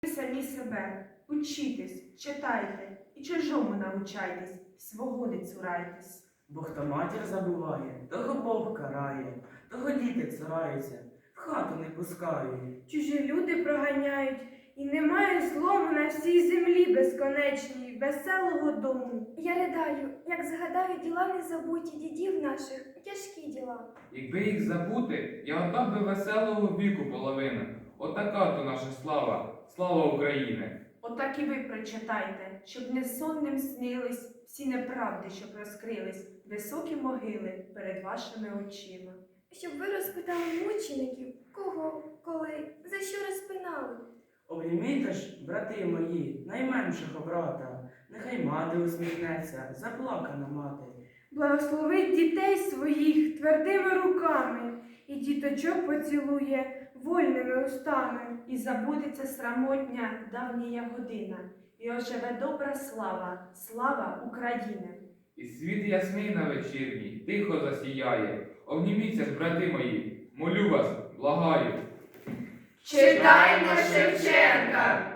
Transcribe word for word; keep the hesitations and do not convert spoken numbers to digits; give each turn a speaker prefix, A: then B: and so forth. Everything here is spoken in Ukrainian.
A: самі себе, учітесь, читайте і чужому навчайтесь, свого не цурайтесь.
B: Бо хто матір забуває, того Бог карає, того діти цураються, в хату не пускають.
C: Чужі люди проганяють, і немає злому на всій землі безконечній, веселого дому.
D: Я ридаю, як згадаю діла незабуті дідів наших, тяжкі діла.
E: Якби їх забути, я отдав би веселого віку половину. Отака то наша слава, слава України.
A: Отак і ви прочитайте, щоб не сонним снились всі неправди, щоб розкрились, високі могили перед вашими очима.
D: Щоб ви розпитали мучеників, кого, коли, за що розпинали.
B: Обнімійте ж, брати мої, найменшого брата, нехай мати усміхнеться, заплакана мати.
C: Благословить дітей своїх твердими руками, і діточок поцілує вольними устами.
A: І забудеться срамотня давнія година, і оживе добра слава, слава України.
E: І світ ясний на вечірній, тихо засіяє. Обніміться ж, брати мої, молю вас, благаю.
F: Читаймо Шевченка!